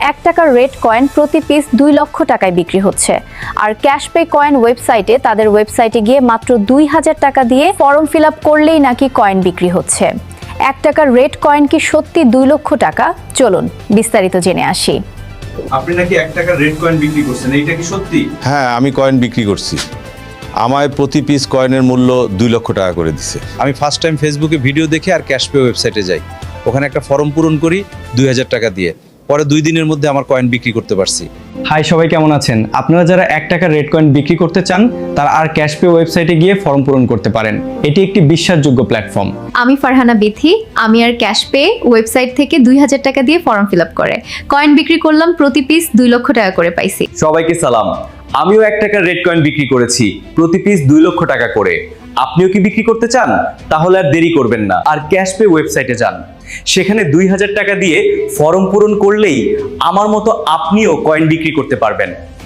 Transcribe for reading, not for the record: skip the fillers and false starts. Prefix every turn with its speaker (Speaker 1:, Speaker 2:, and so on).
Speaker 1: টাকার red coin প্রতি piece 2 লক্ষ টাকায় বিক্রি হচ্ছে। আর ক্যাশপে কয়েন ওয়েবসাইটে তাদের ওয়েবসাইটে গিয়ে মাত্র 2000 টাকা দিয়ে ফর্ম ফিল আপ করলেই নাকি কয়েন বিক্রি হচ্ছে। 1 টাকার রেড কয়েন কি সত্যি 2 লক্ষ টাকা? চলুন বিস্তারিত জেনে আসি।
Speaker 2: আপনি নাকি 1 টাকার রেড কয়েন বিক্রি করছেন, এইটা কি সত্যি?
Speaker 3: হ্যাঁ, আমি কয়েন বিক্রি করছি। আমায় প্রতি পিস কয়েনের মূল্য 2 লক্ষ টাকা করে দিছে। আমি ফার্স্ট টাইম ফেসবুকে ভিডিও দেখে আর ক্যাশপে ওয়েবসাইটে যাই, ওখানে একটা ফর্ম পূরণ করি 2000 টাকা দিয়ে, পরে 2 দিনের মধ্যে আমার কয়েন বিক্রি করতে পারছি।
Speaker 4: হাই, সবাই কেমন আছেন? আপনারা যারা 1 টাকার রেড কয়েন বিক্রি করতে চান তারা আর ক্যাশপে ওয়েবসাইটে গিয়ে ফর্ম পূরণ করতে পারেন। এটি একটি বিশ্বাসযোগ্য প্ল্যাটফর্ম।
Speaker 5: আমি ফারহানা বিথি। আমি আর ক্যাশপে ওয়েবসাইট থেকে 2000 টাকা দিয়ে ফর্ম ফিল আপ করে কয়েন বিক্রি করলাম, প্রতি পিস 2 লক্ষ টাকা করে পাইছি।
Speaker 4: সবাইকে সালাম। আমিও 1 টাকার রেড কয়েন বিক্রি করেছি, প্রতি পিস 2 লক্ষ টাকা করে। আপনিও কি বিক্রি করতে চান? তাহলে আর দেরি করবেন না, আর ক্যাশপে ওয়েবসাইটে যান। সেখানে 2000 টাকা দিয়ে ফর্ম পূরণ করলেই আমার মতো আপনিও কয়েন বিক্রি করতে পারবেন।